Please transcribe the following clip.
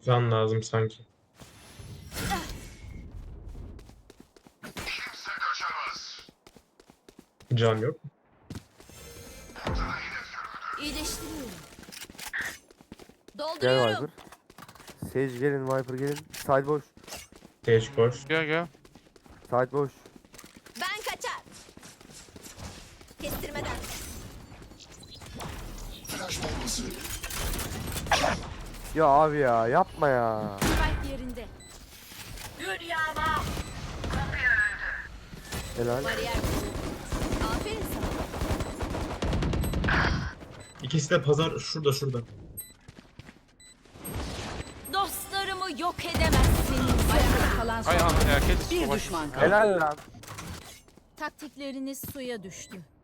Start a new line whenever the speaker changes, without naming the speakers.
Can lazım sanki. Can yok.
İyileştiriyorum.
Gel
Dolduruyorum.
Viper. Sage gelin, Viper gelin. Side boş.
Stage koş.
Gel.
Side boş.
Ben kaçar. Kestirmeden.
Ya abi ya, yapma ya.
Spike yerinde.
Helal.
Bariyer kuruldu. Aferin sana.
İkisi de pazar şurada.
Dostlarımı yok edemezsin. Ayakta kalan son.
Ay ana ya kes.
Bir düşman kaldı.
Helal lan.
Taktikleriniz suya düştü.